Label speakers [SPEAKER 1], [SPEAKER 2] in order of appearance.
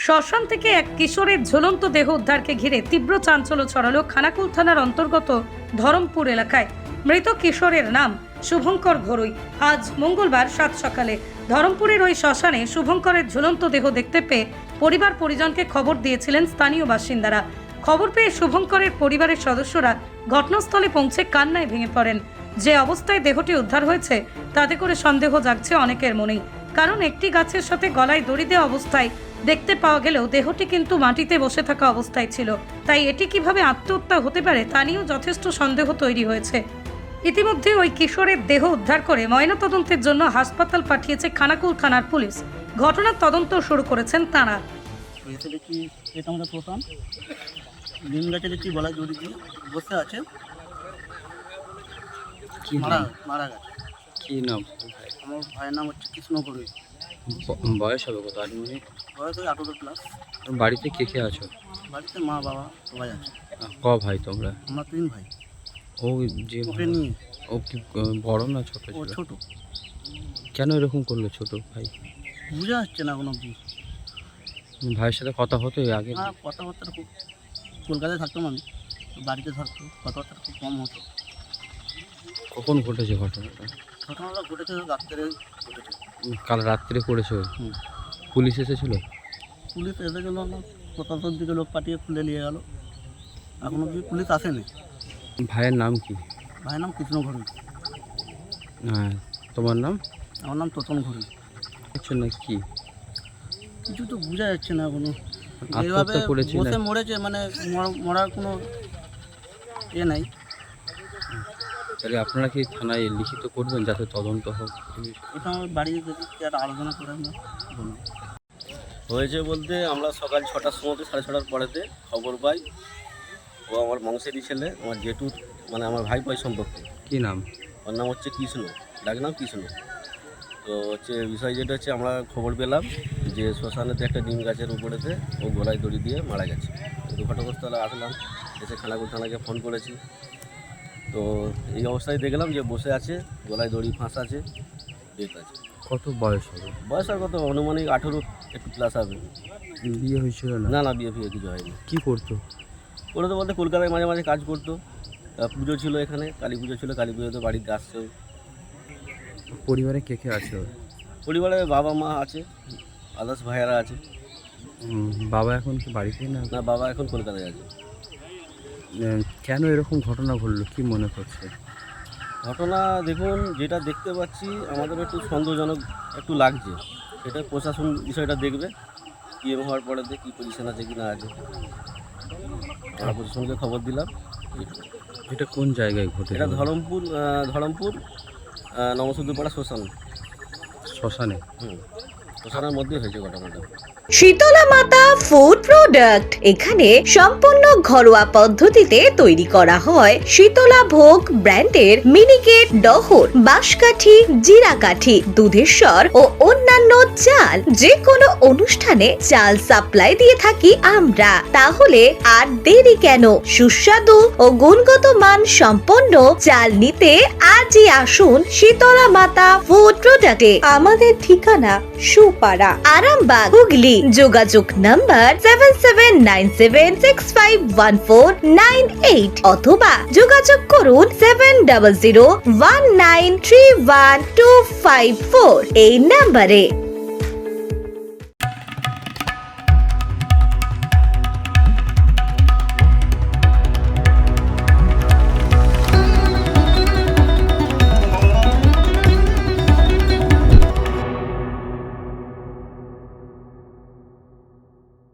[SPEAKER 1] শ্মশান থেকে এক কিশোরের ঝুলন্ত দেহ উদ্ধারকে ঘিরে তীব্র চাঞ্চল্য ছড়ালো খানাকুল থানার অন্তর্গত ধরমপুর এলাকায়। মৃত কিশোরের নাম শুভঙ্কর ঘরুই। আজ মঙ্গলবার সাত সকালে ধরমপুরের ওই শ্মশানে শুভঙ্করের ঝুলন্ত দেহ দেখতে পেয়ে পরিবার পরিজনকে খবর দিয়েছিলেন স্থানীয় বাসিন্দারা। খবর পেয়ে শুভঙ্করের পরিবারের সদস্যরা ঘটনাস্থলে পৌঁছে কান্নায় ভেঙে পড়েন। যে অবস্থায় দেহটি উদ্ধার হয়েছে তাতে করে সন্দেহ জাগছে অনেকের মনেই, কারণ একটি গাছের সাথে গলায় দড়ি দেওয়া অবস্থায় দেখতে পাওয়া গেলেও দেহটি কিন্তু মাটিতে বসে থাকা অবস্থায় ছিল। তাই এটি কিভাবে আত্মহত্যা হতে পারে তা নিয়েও যথেষ্ট সন্দেহ তৈরি হয়েছে। ইতিমধ্যে ওই কিশোরের দেহ উদ্ধার করে ময়নাতদন্তের জন্য হাসপাতাল পাঠিয়েছে খানাকুল থানার পুলিশ। ঘটনার তদন্ত শুরু করেছেন তাঁরা।
[SPEAKER 2] এসে দেখি এটা আমাদের প্রথম নিম গাছে দেখছি গলায় দড়ি দিয়ে বসে আছে, মারা গেছে।
[SPEAKER 3] কি নাম?
[SPEAKER 2] আমার ভাইয়ের নাম হচ্ছে কৃষ্ণ ঘরুই।
[SPEAKER 3] বয়স হবে কত? 8 মিনিট।
[SPEAKER 2] বয়স ওই 18+।
[SPEAKER 3] বাড়িতে কে কে আছো?
[SPEAKER 2] বাড়িতে মা বাবা সবাই আছে।
[SPEAKER 3] ক ভাই তোমরা?
[SPEAKER 2] আমরা 3 ভাই।
[SPEAKER 3] ও যে
[SPEAKER 2] ওকে নিয়ে
[SPEAKER 3] ও কি বড় না ছোট
[SPEAKER 2] ও
[SPEAKER 3] ছিল?
[SPEAKER 2] ছোট।
[SPEAKER 3] কেন এরকম করলো ছোট ভাই?
[SPEAKER 2] বুঝে আসছে না কোনো অবধি।
[SPEAKER 3] ভাইয়ের সাথে কথা হতো এর আগে?
[SPEAKER 2] হ্যাঁ, কথাবার্তা খুব, কলকাতায় থাকতাম আমি, বাড়িতে থাকতো, কথাবার্তা খুব কম হতো।
[SPEAKER 3] কখন ঘটেছে ঘটনাটা?
[SPEAKER 2] ঘটনাটা ঘটেছে রাত্রে ঘটেছে।
[SPEAKER 3] কাল রাত্রে করেছে?
[SPEAKER 2] হুম।
[SPEAKER 3] পুলিশ এসেছিল?
[SPEAKER 2] পুলিশ এসে গেল না, প্রশাসন দিকে লোক পাঠিয়ে খুলে নিয়ে গেল, এখনো অবধি পুলিশ আসেনি।
[SPEAKER 3] ভাইয়ের নাম কি?
[SPEAKER 2] ভাইয়ের নাম কৃষ্ণ ঘরুই।
[SPEAKER 3] হ্যাঁ, তোমার নাম?
[SPEAKER 2] আমার নাম তোতন ঘরুই।
[SPEAKER 3] আচ্ছা, না কি
[SPEAKER 2] কিছু তো বোঝা যাচ্ছে না এখনো। এইভাবে
[SPEAKER 3] আত্মহত্যা করেছে না?
[SPEAKER 2] বসে মরেছে, মানে মরার কোনো এ নাই।
[SPEAKER 3] তাহলে আপনারা কি থানায় লিখিত করবেন যাতে তদন্ত হোক?
[SPEAKER 2] এটা আমার বাড়িতে যদি একটা আলোচনা করে না বলুন।
[SPEAKER 4] হয়েছে বলতে আমরা সকাল 6টার সময় 6:30টার পরেতে খবর পাই। ও আমার বংশেরই ছেলে, আমার জেঠুর, মানে আমার ভাই ভাই সম্পর্কে।
[SPEAKER 3] কি নাম?
[SPEAKER 4] ওর নাম হচ্ছে কৃষ্ণ, ডাক নাম কৃষ্ণ। তো হচ্ছে বিষয় যেটা হচ্ছে আমরা খবর পেলাম যে শ্মশানেতে একটা নিম গাছের উপরেতে ও গলায় দড়ি দিয়ে মারা গেছে। তো ঘটনাস্থলে আসলাম, এসে খানাকুল থানাকে ফোন করেছি। তো এই অবস্থায় দেখলাম যে বসে আছে, গলায় দড়ি ফাঁস আছে, ডেট আছে।
[SPEAKER 3] কত বয়স হবে?
[SPEAKER 4] বয়স আর কত, অনুমানিক 18 একটু প্লাস হবে।
[SPEAKER 3] বিয়ে হয়েছিল না?
[SPEAKER 4] না না, বিয়ে ফিয়ে কিছু হয়নি।
[SPEAKER 3] কি করতো?
[SPEAKER 4] ওরা তো বলতে কলকাতায় মাঝে মাঝে কাজ করতো। পুজো ছিল এখানে, কালী পুজো ছিল, কালী পুজোতে বাড়িতে আসছে।
[SPEAKER 3] পরিবারে কে কে আছে ওর?
[SPEAKER 4] পরিবারে বাবা মা আছে, আদার্স ভাইয়ারা আছে।
[SPEAKER 3] বাবা এখন কি বাড়িতে না?
[SPEAKER 4] না, বাবা এখন কলকাতায় আছে।
[SPEAKER 3] কেন এরকম ঘটনা ঘটলো কি মনে করছে?
[SPEAKER 4] ঘটনা দেখুন, যেটা দেখতে পাচ্ছি আমাদের একটু সন্দেহজনক একটু লাগছে। সেটা প্রশাসন বিষয়টা দেখবে, পিএম হওয়ার পরে কী পজিশন আছে কি না আছে। আমরা প্রশাসনকে খবর দিলাম।
[SPEAKER 3] এটা কোন জায়গায় ঘটে?
[SPEAKER 4] এটা ধরমপুর নমসুদ্দপাড়া শ্মশান।
[SPEAKER 3] শ্মশানে?
[SPEAKER 4] শ্মশানের মধ্যেই হয়েছে ঘটনাটা।
[SPEAKER 5] শীতলা মাতা ফুড প্রোডাক্ট এখানে সম্পূর্ণ ঘরোয়া পদ্ধতিতে তৈরি করা হয় শীতলা ভোগ ব্র্যান্ডের মিনিকেট, ডহর, বাঁশকাঠি, জিরাকাঠি, দুধেশ্বর ও অন্যান্য চাল। যে কোনো অনুষ্ঠানে চাল সাপ্লাই দিয়ে থাকি আমরা। তাহলে আর দেরি কেন? সুস্বাদু ও গুণগত মান সম্পন্ন চাল নিতে আজই আসুন শীতলা মাতা ফুড প্রোডাক্টে। আমাদের ঠিকানা সুপাড়া, আরামবাগ, হুগলি। যোগাযোগ নাম্বার 7797651498 অথবা যোগাযোগ করুন 7001931254 এই নাম্বারে।